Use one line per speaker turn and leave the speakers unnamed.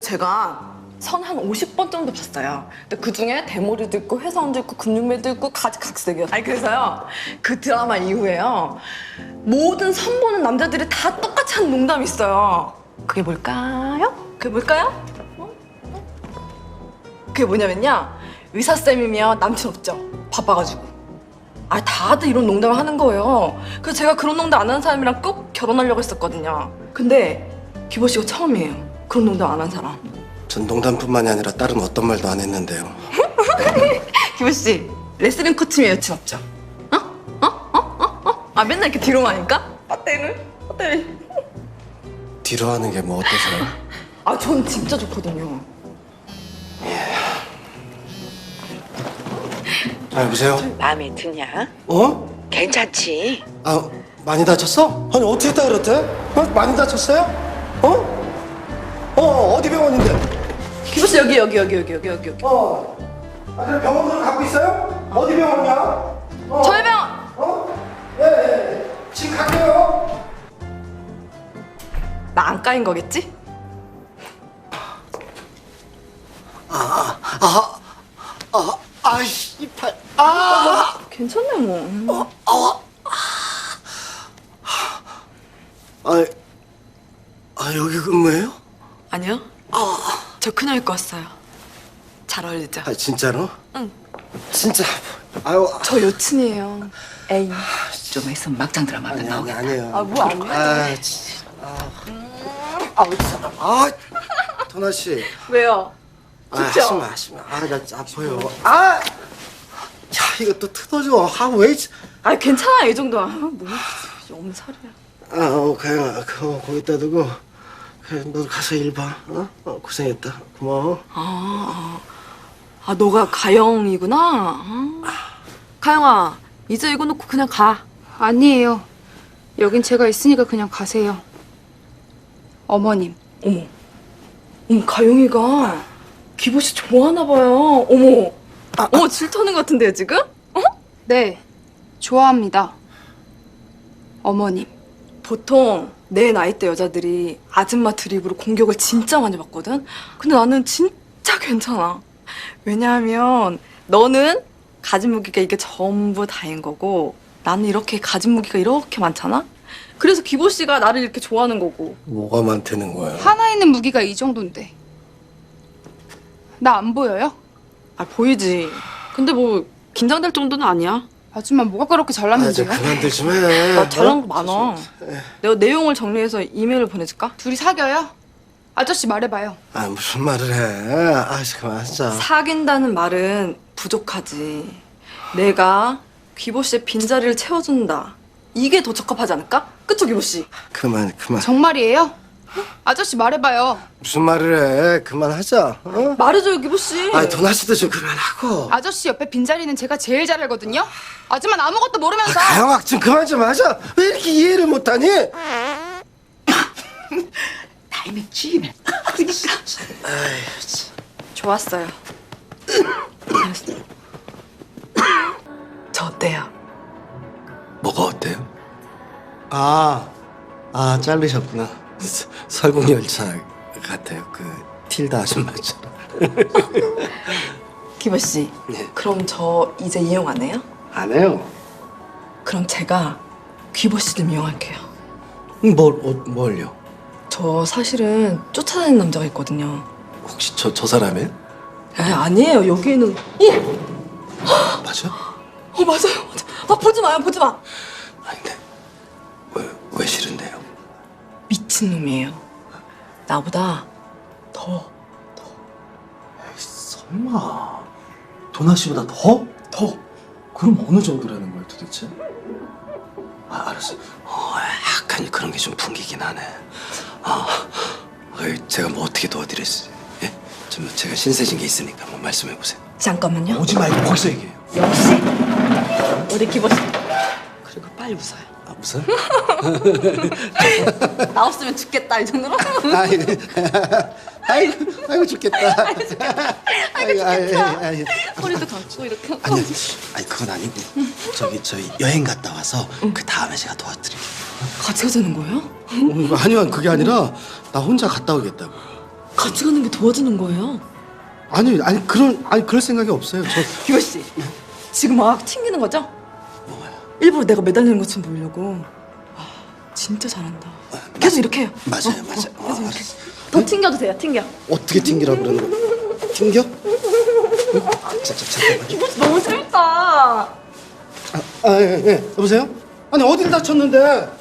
제가 선 한 50번 정도 봤어요. 근데 그중에 대머리도 있고 회사원도 있고 근육맨도 있고 가지각색이었어요. 아니 그래서요 그 드라마 이후에요 모든 선 보는 남자들이 다 똑같이 하는 농담이 있어요. 그게 뭘까요? 그게 뭘까요? 그게 뭐냐면요 의사쌤이면 남친 없죠? 바빠가지고. 아 다들 이런 농담을 하는 거예요. 그래서 제가 그런 농담 안 하는 사람이랑 꼭 결혼하려고 했었거든요. 근데 기보 씨가 처음이에요. 그런 농담 안 한 사람.
전 농담뿐만이 아니라 다른 어떤 말도 안 했는데요.
기보 씨 레슬링 코치면 여친 없죠? 아 맨날 이렇게 뒤로만 하니까? 어때를?
뒤로 하는 게 뭐 어때서요?
아 전 진짜 좋거든요.
아, 여보세요?
마음에 드냐?
어?
괜찮지?
아, 많이 다쳤어? 아니, 어떻게 했다 그랬대? 어? 많이 다쳤어요? 어디 병원인데?
기보 씨 여기.
아, 그래 병원으로 갖고 있어요? 어디 병원이야?
저희 병원!
예. 지금 갈게요.
나 안 까인 거겠지?
아이씨, 이 팔.
괜찮네 뭐.
여기 근무해요?
아니요. 저 그냥 입고 왔어요. 잘 어울리죠?
아, 진짜로?
응.
진짜. 아유,
저 여친이에요. 에이.
좀 있으면 막장 드라마 한편 나오겠다.
아니에요.
뭐 안 해?
진짜. 도나 씨.
왜요? 진짜?
하지 마. 나 아파요. 야, 이거 또 뜯어져. 왜?
아 괜찮아 이 정도야. 뭐 없는 소리야.
가영아, 그거 거기다 두고. 그래, 너 가서 일 봐. 고생했다. 고마워.
아 너가 가영이구나. 가영아 이제 이거 놓고 그냥 가.
아니에요. 여긴 제가 있으니까 그냥 가세요. 어머님.
어머 가영이가 기보 씨 좋아하나 봐요. 어머 질투하는 것 같은데요 지금?
네, 좋아합니다. 어머님.
보통 내 나이대 여자들이 아줌마 드립으로 공격을 진짜 많이 받거든? 근데 나는 진짜 괜찮아. 왜냐하면 너는 가진 무기가 이게 전부 다인 거고 나는 이렇게 가진 무기가 이렇게 많잖아? 그래서 기보 씨가 나를 이렇게 좋아하는 거고.
뭐가 많다는 거야?
하나 있는 무기가 이 정도인데. 나 안 보여요?
아 보이지. 근데 뭐 긴장될 정도는 아니야.
아줌마 뭐가 그렇게
좀
잘났는데요?
그만들 좀 해.
나 잘한 거 많아. 내가 내용을 정리해서 이메일을 보내줄까?
둘이 사겨요? 아저씨 말해봐요.
무슨 말을 해? 그만하자.
사귄다는 말은 부족하지. 내가 귀보 씨의 빈자리를 채워준다. 이게 더 적합하지 않을까? 그쵸, 귀보 씨?
그만.
정말이에요? 아저씨 말해봐요.
무슨 말을 해? 그만하자.
말해줘요, 귀보 씨.
도나 씨도 좀 그만하고.
아저씨 옆에 빈자리는 제가 제일 잘 알거든요? 아줌마는 아무것도 모르면서.
가영아, 좀 그만 좀 하자. 왜 이렇게 이해를 못하니?
타이밍 찌면.
좋았어요. 잘했어요. 저 어때요?
뭐가 어때요? 자르셨구나. 설국열차 같아요. 그 틸다 아줌마처럼.
귀보 씨.
네.
그럼 저 이제 이용 안 해요?
안 해요.
그럼 제가 귀보 씨 좀 이용할게요.
뭘요?
저 사실은 쫓아다니는 남자가 있거든요.
혹시 저 사람이에요?
아니에요. 여기에는
맞아?
맞아요. 보지 마요. 보지 마.
아닌데. 왜 싫은데요?
미친놈이에요. 나보다 더
설마 도나 씨보다 더? 그럼 어느 정도라는 거야 도대체?
알았어. 약간 그런 게 좀 풍기긴 하네. 제가 뭐 어떻게 도와드렸어요? 예? 제가 신세진 게 있으니까 한번 말씀해 보세요.
잠깐만요.
오지 말고 거기서 얘기해요.
역시 우리 기보 씨. 그리고 빨리 웃어요.
무슨?
나 없으면 죽겠다 이 정도로.
아이고 죽겠다.
허리도 감고 이렇게.
아니 그건 아니고 저희 여행 갔다 와서 그 다음에 제가 도와드릴게요.
같이 가자는 거예요?
아니요 그게 아니라 나 혼자 갔다 오겠다고.
같이 가는 게 도와주는 거예요.
아니 그럴 생각이 없어요.
기호 씨, 지금 막 튕기는 거죠? 일부러 내가 매달리는 것처럼 보이려고. 아, 진짜 잘한다. 계속 이렇게 해요.
맞아요.
계속 이렇게. 더 튕겨도 돼요. 튕겨.
어떻게 튕기라 그러는 거야? 튕겨? 잠깐만.
기호 씨 너무 재밌다.
예. 여보세요? 아니 어딜 다쳤는데?